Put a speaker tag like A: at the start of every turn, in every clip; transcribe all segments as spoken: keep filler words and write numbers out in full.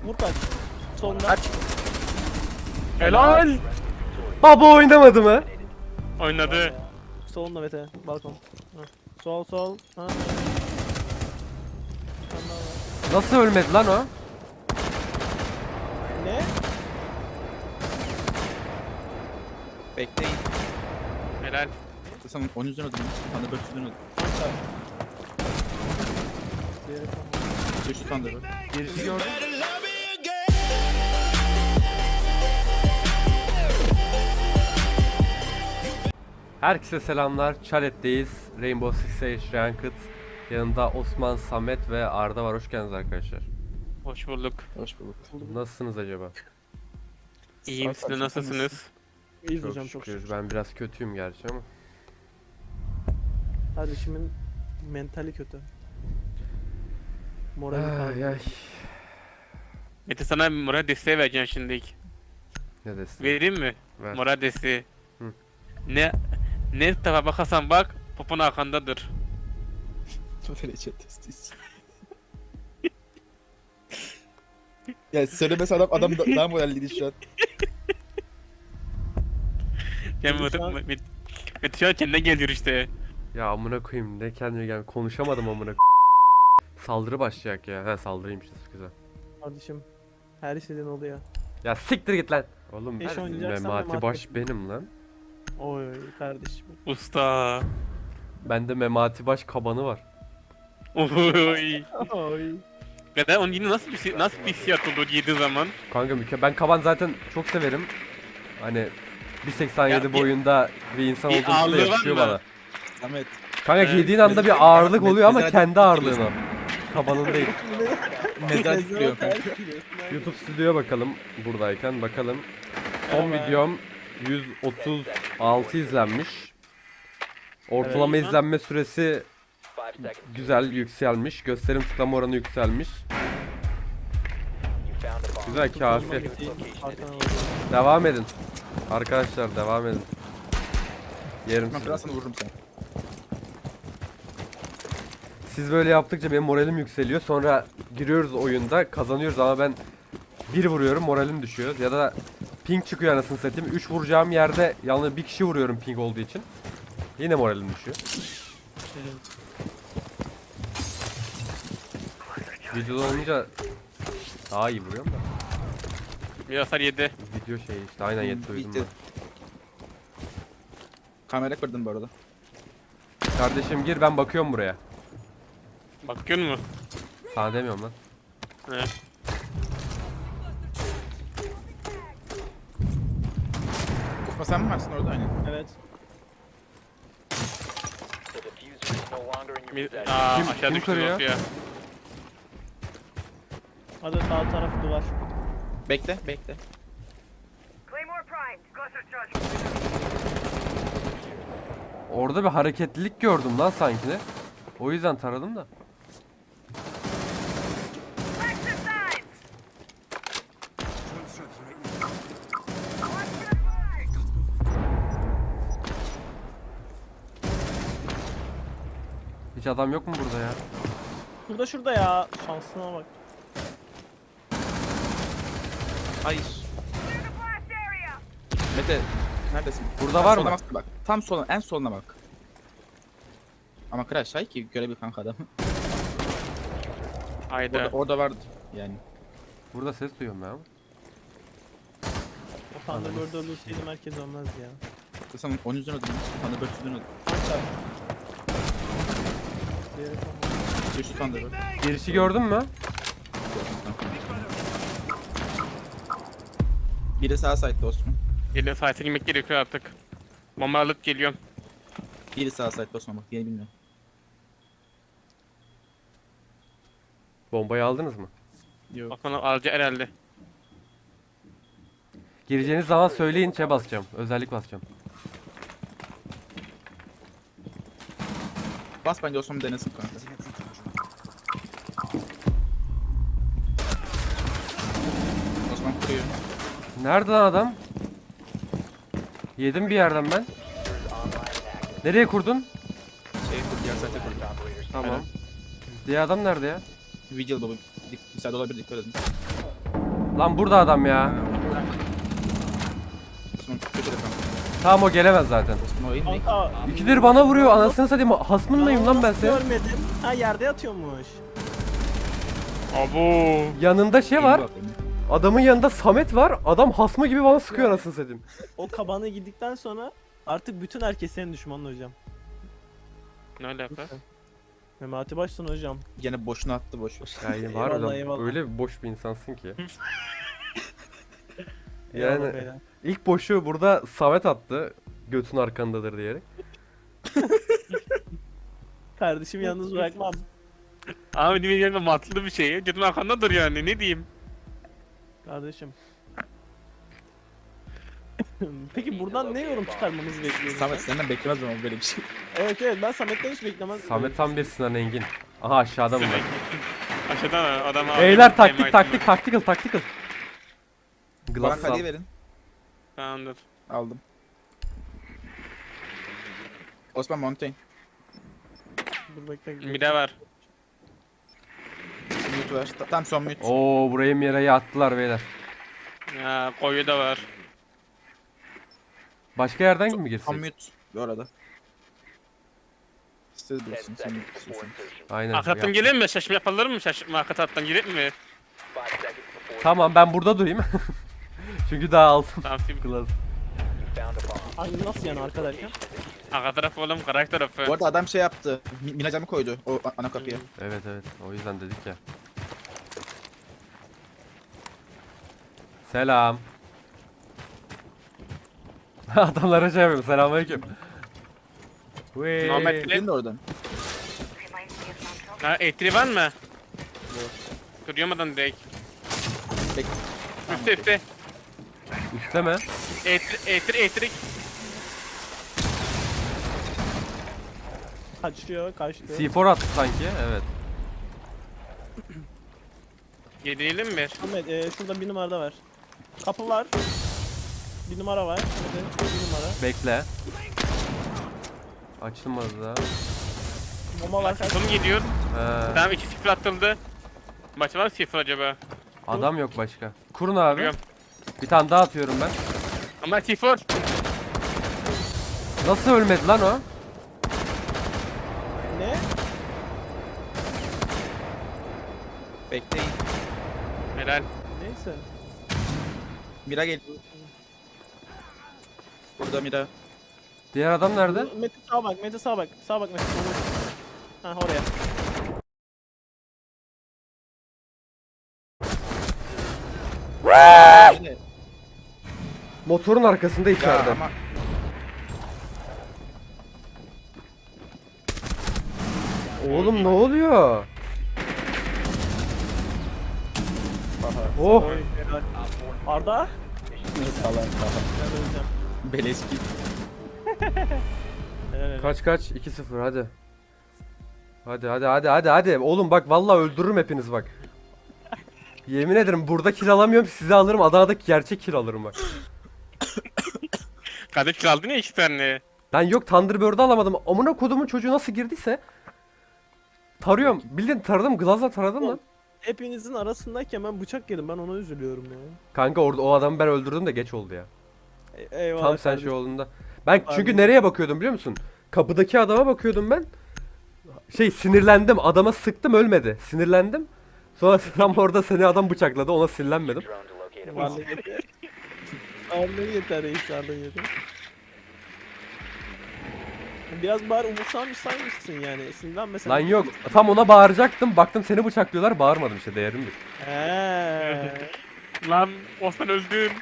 A: Vur kaç. Solunda.
B: Kaç.
C: Helal.
D: Baba oynamadı mı?
C: Oynadı.
A: Solunda Mete. Balkon. Ha. Sol sol. Ha.
D: Nasıl ölmedi lan o?
A: Ne?
B: Bekleyin.
C: Helal.
B: Sen on yüzden öldüm. Ben de dört yüzden öldüm.
A: Diğeri tamam.
B: Düştü Thunder'ı.
D: Girişi gördüm. Herkese selamlar. Chalet'teyiz. Rainbow Six Siege Ranked. Yanında Osman, Samet ve Arda var. Hoş geldiniz arkadaşlar.
C: Hoş bulduk.
B: Hoş bulduk.
D: Nasılsınız acaba?
C: İyiyim,
B: Sağ
C: siz de
B: ol,
C: nasılsınız?
A: İyiyiz hocam çok
D: şükür.
A: şükür.
D: Ben biraz kötüyüm gerçi ama.
A: Kardeşimin mentali kötü. Morali
D: Ay,
A: kaldı.
D: ay.
C: Mete sana moral desteği vereceğim şimdilik.
D: Ne desin?
C: Vereyim mi?
D: Ver.
C: Moral desteği.
D: Hı.
C: Ne ne tarafa bakarsan bak, popon arkandadır.
B: Derece testiyiz. Ya söylemesi adam adam da- daha moralliydi şu an.
C: Yani
A: Şu
C: Mete,
A: an-
C: Mete, Mete şu an kendine geliyor işte.
D: Ya amına koyayım ne kendime gel konuşamadım amına koyayım. Saldırı başlayacak ya. Ha saldırıymış güzel.
A: Kardeşim. Her istediğin oluyor.
D: Ya siktir git lan. Oğlum
A: Eş
D: ben
A: oynayacaksan
D: Memati
A: Memati.
D: Baş benim lan.
A: Oy kardeşim.
C: Usta.
D: Bende Memati Baş kabanı var.
C: Oy.
A: Oy.
C: Kadar onun yine nasıl bir nasıl bir hissiyat oldu yediği zaman?
D: Kanka mükemmel. Ben kaban zaten çok severim. Hani bir seksen yedi
C: Ya bir-
D: boyunda bir insan
C: bir
D: olduğu için de
C: ağırlığı var
D: yakışıyor
C: mı?
D: bana.
B: Ahmet.
D: Kanka
C: Evet.
D: giydiğin anda bir ağırlık oluyor ama
B: Mezar-
D: kendi ağırlığın o. Kabanın değil.
B: Mezar tutuyor kanka.
D: YouTube stüdyoya bakalım buradayken bakalım. Son
A: Merhaba.
D: videom yüz otuz altı izlenmiş. Ortalama
C: Evet.
D: izlenme süresi güzel yükselmiş. Gösterim tıklama oranı yükselmiş. Güzel kafi. Devam edin. Arkadaşlar devam edin. Yerim
B: Ben
D: sizi.
B: biraz sana vururum seni.
D: Siz böyle yaptıkça benim moralim yükseliyor. Sonra giriyoruz oyunda kazanıyoruz ama ben bir vuruyorum moralim düşüyor. Ya da ping çıkıyor anasını satayım. üç vuracağım yerde yalnız bir kişi vuruyorum ping olduğu için. Yine moralim düşüyor. Videoda olunca daha iyi vuruyorum da.
C: Bir hasar yedi.
D: Video şey işte aynen yedi duydum
B: Bitti.
D: ben.
B: Kamera kırdın bu arada.
D: Kardeşim gir ben bakıyorum buraya.
C: Bakıyor mu?
D: Sana demiyorum lan.
C: He.
B: Osman sen mi varsın orada aynen?
A: Evet.
C: Bir, aa,
D: Kim-
C: aşağı
D: kim
C: düştü
D: kırıyor?
C: Zofia.
A: Hadi sağ tarafı duvar.
B: Bekle bekle.
E: Claymore primed. Cluster charge.
D: Orada bir hareketlilik gördüm lan sanki de. O yüzden taradım da.
E: Exercise.
D: Hiç adam yok mu burada ya?
A: Şurada şurada ya. Şansına bak.
B: Hayır.
E: Clear the blast area.
B: Mete neredesin?
D: Burada
B: En
D: var
B: soluna
D: mı?
B: bak, bak. Tam soluna en soluna bak. Ama crash hay ki görebil kanka adamı.
C: Hayda.
B: Orada, orada vardı yani.
D: Burada ses duyuyorum ya.
A: O Thunderbird'ı öldürseydim herkes ölmez ya.
B: Sen on yüzden öldüm. Ben de dört yüzden öldüm.
A: Diğeri tamam.
B: Düştü Thunder'ı.
D: Girişi gördün mü?
B: Biri sağ side'da Osman.
C: Geliyor, sahte girmek gerekiyor artık. Bomba alıp geliyorum.
B: Biri sağ side'da Osman bak diye bilmiyorum.
D: Bombayı aldınız mı?
B: Yok.
C: Bakmana alacak herhalde.
D: Gireceğiniz zaman söyleyin şey basacağım. Özellik basacağım.
B: Bas bence Osman denesin kanka. Osman kuruyor.
D: Nerede lan adam? Yedim bir yerden ben. Nereye kurdun?
B: Şey kur diğer side'e kur.
D: Tamam. Diğer adam nerede ya?
B: Vigil baba. Dik- Bir side olabilir dikkat edin.
D: Lan burada adam ya.
B: Osman kötü telefon.
D: Tamam o gelemez zaten.
B: Osman oyun değil.
A: Kanka.
D: İkidir bana vuruyor anasını satayım. Hasmın mıyım lan ben
A: nasıl
D: senin?
A: Görmedim. Ha yerde yatıyormuş.
C: Abo.
D: Yanında şey var.
B: Bak, oyun.
D: Adamın yanında Samet var. Adam hasma gibi bana sıkıyor anasını satayım.
A: O kabana gittikten sonra artık bütün herkes senin düşmanın hocam.
C: Ne alaka?
A: Memati başsın hocam.
B: Gene boşuna attı boş ver.
D: Yani var
A: Eyvallah,
D: adam
A: eyvallah.
D: öyle boş bir insansın ki.
A: Eyvallah
D: Yani
A: beyler.
D: ilk boşu burada Samet attı. Götün arkandadır diyerek.
A: Kardeşimi yalnız bırakmam.
C: Abi benim yerimde matlı bir şey. Götün arkandadır yani ne diyeyim.
A: Kardeşim. Peki buradan ne yorum çıkarmamızı bekliyorsun
B: Samet
A: sen?
B: senden beklemezdim ama böyle bir şey.
A: Evet evet ben Samet'ten hiç beklemez.
D: Samet tam bir Sinan Engin. Aha aşağıda mı?
C: Aşağıdan adam abi.
D: Beyler taktik taktik taktikal taktikal.
B: Bana
D: Glass
B: kadiyi
D: sal.
B: verin.
C: Tamamdır.
B: Aldım. Osman Montaigne.
A: Dur bekle.
C: Bir de var.
B: Mute ver. Ta- Tam son mute.
D: Oo burayı Mira'ya attılar beyler.
C: Ya koyu da var.
D: Başka yerden mi
B: Son
D: girsek?
B: mute. Bu arada. İstedi bilirsin. Sen istiyorsan.
D: Aynen.
C: Arkadan
D: yap.
C: gelin mi? Şaşırma yapılır mı? Şaşırma arka taraftan girelim mi?
D: Tamam ben burada durayım. Çünkü daha aldım.
C: Tamam şimdi.
D: Glass.
A: Hangi nasıl yani arka derken?
C: Arka taraf oğlum karak tarafı.
B: Bu arada adam şey yaptı. Mi- Mina camı koydu o a- ana kapıya.
D: Evet evet o yüzden dedik ya. Selam. Adamlara şey yapıyorum. Selamünaleyküm. Vee.
C: Muhammed Bile-
B: Gelin de oradan.
C: Ha etri var mı? Kırıyamadan direkt.
B: Bek
C: Üstte üstte.
D: Üstleme.
C: Etri etri etri.
A: Kaçıyor kaçtı.
D: C four attı sanki. Evet.
C: Yedirelim mi?
A: Ahmet e, şurada bir numarada var. Kapı var. Bir numara var. Evet, bir numara.
D: Bekle. Açılmadı da.
A: Bomba var kaç.
C: Son gidiyor.
D: He,
C: Tamam iki sıfır atıldı. Maç var mı sıfır acaba?
D: adam yok başka. Kurun abi.
C: Biliyorum.
D: Bir tane daha atıyorum ben.
C: Ama sıfır.
D: Nasıl ölmedi lan o?
A: Ne?
B: bekleyin.
C: Helal.
A: Neyse.
B: Mira gel. Burada Mira.
D: Diğer adam nerede?
A: Mete sağa bak, Mete sağa bak. Sağa bak Mete. Ha oraya.
B: Yine-
D: Motorun arkasında
B: Ya
D: içeride.
B: ama
D: Oğlum ne oluyor? Oh.
A: Oy, helal. Arda.
B: salak salak.
A: Ben öleceğim.
B: Beleş git.
A: Helal helal.
D: Kaç kaç? iki sıfır hadi. Hadi hadi hadi hadi hadi. Oğlum bak vallahi öldürürüm hepiniz bak. Yemin ederim burada kill alamıyorum sizi alırım Adana'daki gerçek kill alırım bak.
C: Kardeş kaldın ya iki tane.
D: Ben yok Thunderbird'ü alamadım. Amına kodumun çocuğu nasıl girdiyse. Tarıyorum. Bildiğin taradım. Glazla taradım lan.
A: Hepinizin arasındayken ben bıçak yedim. Ben ona üzülüyorum ya.
D: Kanka orada o adamı ben öldürdüm de geç oldu ya.
A: E- eyvallah.
D: Tam sen
A: kardeşim.
D: şey olduğunda. Ben çünkü
A: Abi.
D: nereye bakıyordum biliyor musun? Kapıdaki adama bakıyordum ben. Şey sinirlendim. Adama sıktım ölmedi. Sinirlendim. Sonra tam orada seni adam bıçakladı. Ona sinirlenmedim.
A: Vallahi yeter. Vallahi yeter reis Arda yeter. Biraz bari umursanmışsın yani. Sinirlenmesen.
D: Lan yok. Tam ona bağıracaktım. Baktım seni bıçaklıyorlar. Bağırmadım işte değerimdir.
A: Heee.
C: Lan Osman öldün.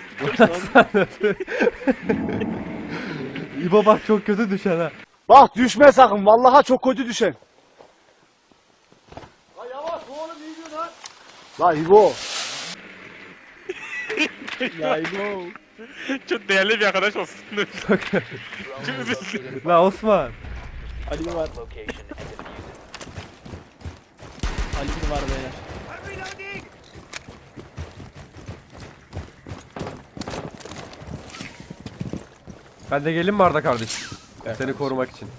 D: İbo bak çok kötü düşen ha.
F: Bak düşme sakın. Vallaha çok kötü düşen. La yavaş oğlum iyi diyor lan. La İbo.
A: Ya İbo.
C: Çok değerli bir arkadaş olsun. Çok üzüldüm.
D: La Osman.
A: Ali mi var? Ali mi var beyler?
D: Ben de gelin mi Arda kardeş?
B: Evet.
D: Seni korumak için.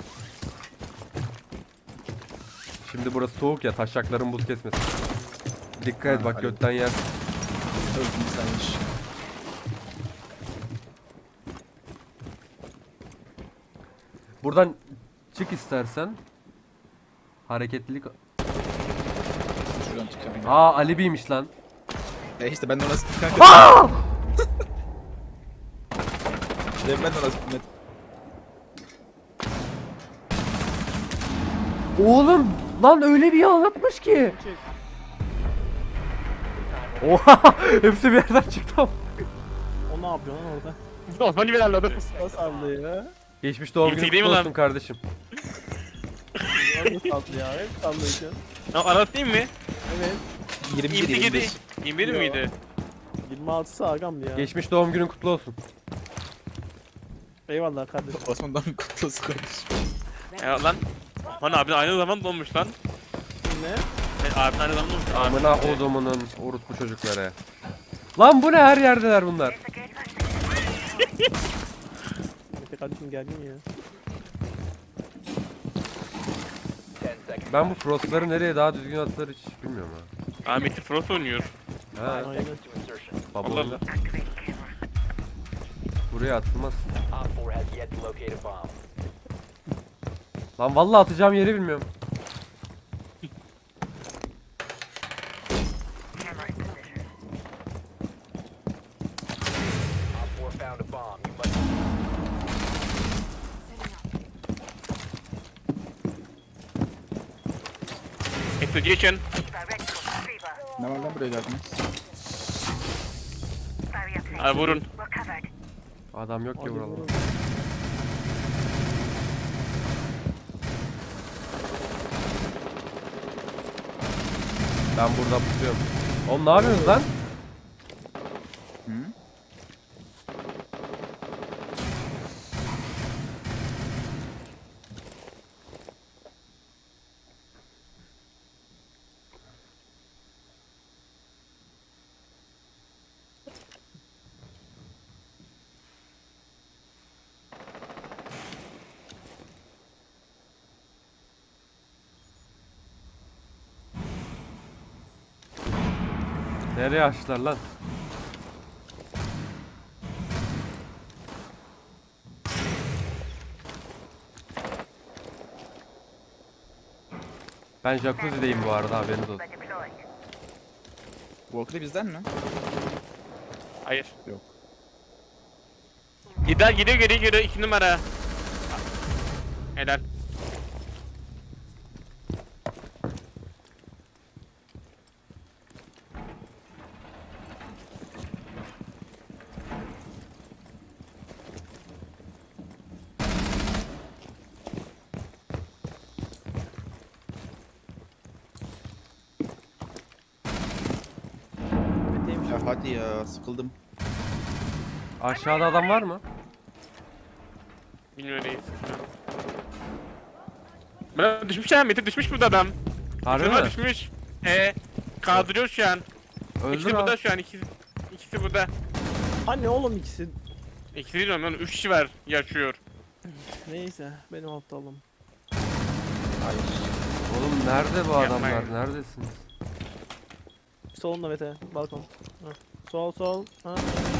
D: Şimdi burası soğuk ya taşakların buz kesmesin. Dikkat et
B: Ha,
D: bak
B: Ali.
D: götten yer.
B: Öldüm saymış.
D: Buradan çık istersen. Hareketlilik.
B: Şuradan çıkacağım.
D: Aa Ali B'ymiş lan.
B: E işte ben de ona sıktım kanka. Ben de ona sıktım.
D: Oğlum lan öyle bir anlatmış ki. Oha hepsi bir yerden çıktı ama.
A: O ne yapıyor lan orada?
C: Osman gibi ilerledi.
A: Nasıl sallıyor ya?
D: Geçmiş doğum
C: İlk
D: günü
C: değil mi
D: kutlu
C: lan?
D: olsun kardeşim.
A: Nasıl sallıyor ya? Hep sallıyor.
C: Anlatayım mı?
A: Evet.
B: yirmi bir
C: yirmi
B: yirmi
C: yedi.
B: beş.
C: yirmi bir miydi?
A: yirmi altısı agam ya.
D: Geçmiş doğum günün kutlu olsun.
A: Eyvallah kardeşim.
B: Osman'dan kutlu olsun kardeşim.
C: Ya lan. Osman abi aynı zaman doğmuş lan.
A: Ne?
C: E, abin aynı zaman doğmuş. Abi.
D: Amına odumunun orospu çocukları. Lan bu ne her yerdeler bunlar.
A: Mete kardeşim geldin ya.
D: Ben bu frostları nereye daha düzgün attılar hiç bilmiyorum ha.
C: Ahmet'i Frost oynuyor.
D: Ha,
A: Aynen.
D: baba
C: Allah
D: onu
C: Allah.
D: buraya atılmaz. Lan vallahi atacağım yeri bilmiyorum.
C: Execution.
E: Direct to retriever.
B: Ne var lan buraya geldiniz?
E: Barrier
C: Abi vurun.
E: We're covered.
D: Adam yok ki
A: Hadi
D: buralarda.
A: vurun.
D: Ben burada tutuyorum. Oğlum ne yapıyorsunuz lan?
B: Hı?
D: Nereye açtılar lan? Ben jacuzzi'deyim bu arada haberiniz olsun.
E: We're deployed.
B: Walker bizden mi?
C: Hayır.
B: Yok.
C: Gider gidiyor geri geliyor iki numara. Helal.
A: Mete'ymiş.
B: Ya hadi ya sıkıldım.
D: Aşağıda adam var mı?
C: Bilmiyorum neyiz. Bana düşmüş ya Mete düşmüş burada adam.
D: Harbi
C: Şuna
D: mi?
C: düşmüş. Ee, kaldırıyor şu an.
D: Öldür
C: İkisi
D: abi.
C: burada şu an ikisi. İkisi burada.
A: Anne oğlum ikisi.
C: İkisi değil lan üç kişi var yaşıyor.
A: Neyse benim aptalım.
B: Hayır.
D: Oğlum nerede bu adamlar?
C: Yapmayın.
D: Neredesiniz?
A: Solunda Mete. Balkon. Ha. Sol sol. Ha.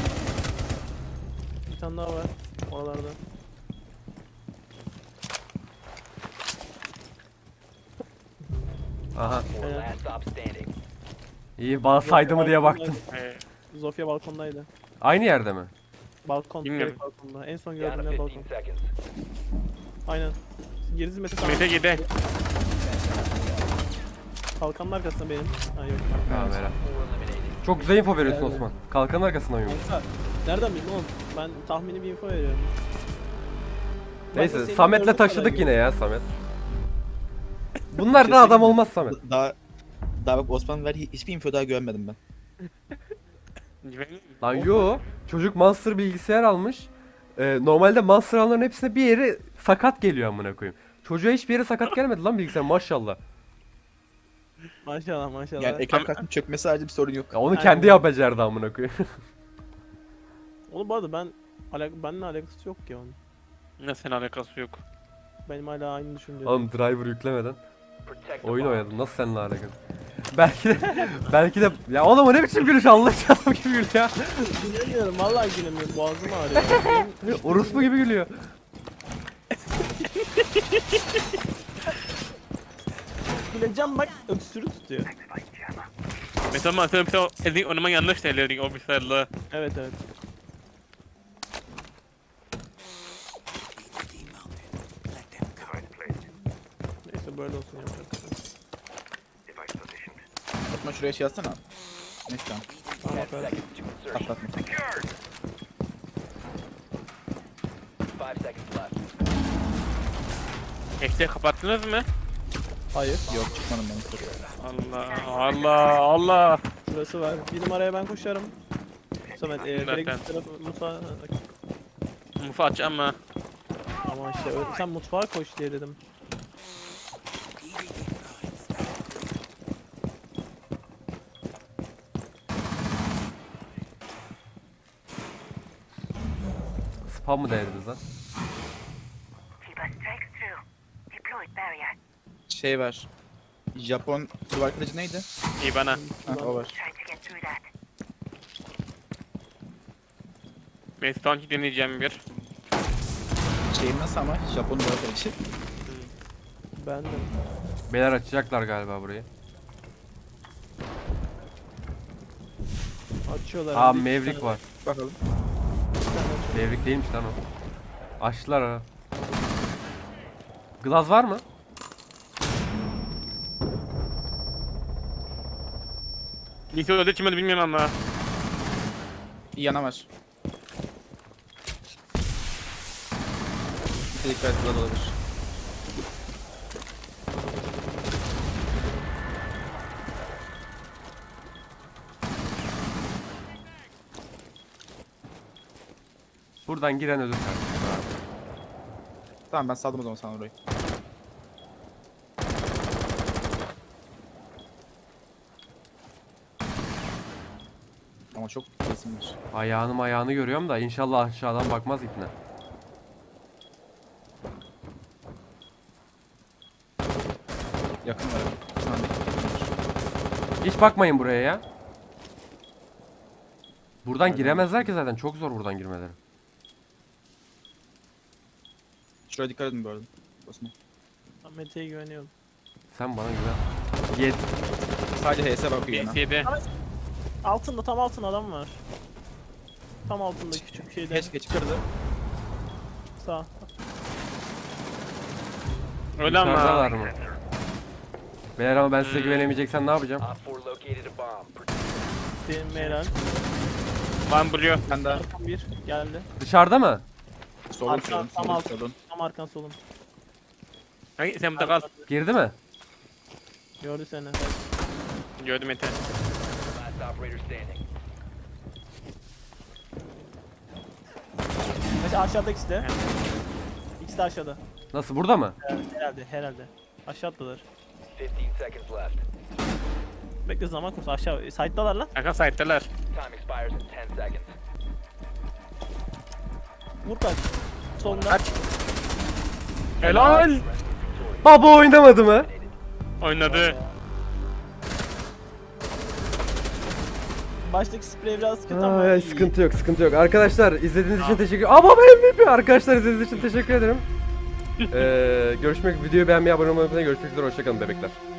A: Bir tane daha var. Oralarda.
D: Aha.
A: Evet.
D: İyi bana saydı mı diye baktım.
C: Ee,
A: Zofia balkondaydı.
D: Aynı yerde mi?
A: Balkon.
C: Bilmiyorum.
A: Direkt balkonda. En son gördüğüm yer balkon. Aynen. Gerisi Mete tamam.
C: Mete gide.
A: Kalkanın arkasında benim. Ha yok.
D: Tamam helal. Çok güzel info veriyorsun Osman. Kalkanın arkasından uyumuş.
A: Kanka, nereden bildin oğlum? Ben tahmini bir info veriyorum. Bak da
D: Neyse
A: senin
D: Samet'le
A: gördüğün
D: taşıdık
A: kadar
D: yine ya Samet. Bunlardan adam olmaz Samet.
B: Daha daha bak Osman ver hiçbir info daha görmedim ben.
C: Güvenli.
D: Lan yo. Çocuk Monster bilgisayar almış. Ee, normalde Monster alanların hepsine bir yeri sakat geliyor amına koyayım. Çocuğa hiçbir yere sakat gelmedi lan bilgisayar maşallah.
A: Maşallah maşallah.
B: Yani ekran kartının çökmesi harici bir sorun yok.
D: Ya onu
A: Aynen.
D: kendi yapacaktı amına koyayım.
A: Oğlum bu arada ben alak benimle alakası yok ki onun.
C: Ne sen alakası yok.
A: Benim hala aynı düşünce.
D: Oğlum driver yüklemeden oyun oynadım. Nasıl seninle alakalı? Belki de belki de ya oğlum o ne biçim gülüş Allah adam gibi gülüyor ya.
A: Gülemiyorum vallahi gülemiyorum. Boğazım ağrıyor. Benim
D: Orospu gibi gülüyor.
A: güleceğim bak öksürük tutuyor.
C: Mesela sen mesela elini oynaman yanlış söyledin o bilgisayarla.
A: Evet evet. Neyse böyle olsun yapacak.
B: Fatma şuraya şey yazsana. Neyse tamam.
A: Tamam aferin.
B: Atlatma.
C: Eksiği kapattınız mı?
A: Hayır.
B: Yok çıkmadım ben.
C: Allah Allah Allah.
A: Şurası var. Bir numaraya ben koşarım. Samet e,
C: Zaten.
A: direkt üst tarafı mutfağa.
C: Mufa aç ama.
A: Ama işte öyle, sen mutfağa koş diye dedim.
D: Spam mı denediniz lan?
E: Keeper strikes through. Deployed barrier.
B: Şey var. Japon duvar kılıcı neydi?
C: İyi bana.
B: Ha o var.
E: Trying to get through that.
C: Ben Stonki deneyeceğim bir.
B: Şeyim nasıl ama? Japon duvar kılıcı.
A: Ben de.
D: Beyler açacaklar galiba burayı.
A: Açıyorlar.
D: Aa
A: Bir- bir
D: Maverick
A: tane-
D: var.
B: Bakalım.
A: bir tane açıyor.
D: Maverick değilmiş lan o. Açtılar ha. Glaz var mı?
C: Neyse öyle çıkmadı bilmiyorum ama.
B: Bir yana var. Bir dikkat et olabilir.
D: Buradan giren ölür kardeşim.
B: Tamam ben saldım o zaman sana orayı. Ama çok kesin var.
D: Ayağını ayağını görüyorum da inşallah aşağıdan bakmaz ipne.
B: Yakın var. Sana da yakın var.
D: Hiç bakmayın buraya ya. Buradan giremezler ki zaten. Çok zor buradan girmeleri.
B: Şuraya dikkat edin bu arada. Basma.
A: Ben Mete'ye güveniyorum.
D: Sen bana güven. Yet.
B: Sadece H S bakıyor yana.
C: B S'de.
A: Altında tam altında adam var. Tam altında küçük bir şeyde.
B: Keşke çıkardı.
A: Sağ.
C: Öyle ama.
D: Dışarıdalar mı? Beyler ama ben size güvenemeyeceksen ne yapacağım?
A: İsteyin Meral.
C: Van buluyor.
B: Ben de
A: Arkan bir geldi.
D: Dışarıda mı?
B: solun
A: Arka,
B: solun
A: tam
B: solun
A: alt.
B: solun.
A: Tam arkan solun.
C: Hayır sen burada kal.
D: Girdi mi?
A: Gördü seni.
C: Gördüm Mete.
A: Mesela aşağıda ikisi de. İkisi de aşağıda.
D: Nasıl burada mı?
A: Herhalde herhalde. Aşağı attılar. Bekle zaman konusu aşağı. Side'dalar lan.
C: Arka site'deler.
A: Vur kaç. Solunda.
C: Kaç. Helal.
D: Baba oynamadı mı?
C: Oynadı.
A: Baştaki sprey biraz kötü ama.
D: Ay,
A: iyi.
D: sıkıntı yok, sıkıntı yok. Arkadaşlar izlediğiniz için teşekkür Aa baba M V P. Arkadaşlar izlediğiniz için teşekkür ederim. ee, görüşmek videoyu beğenmeyi, abone olmayı unutmayın. Görüşmek üzere, hoşçakalın bebekler.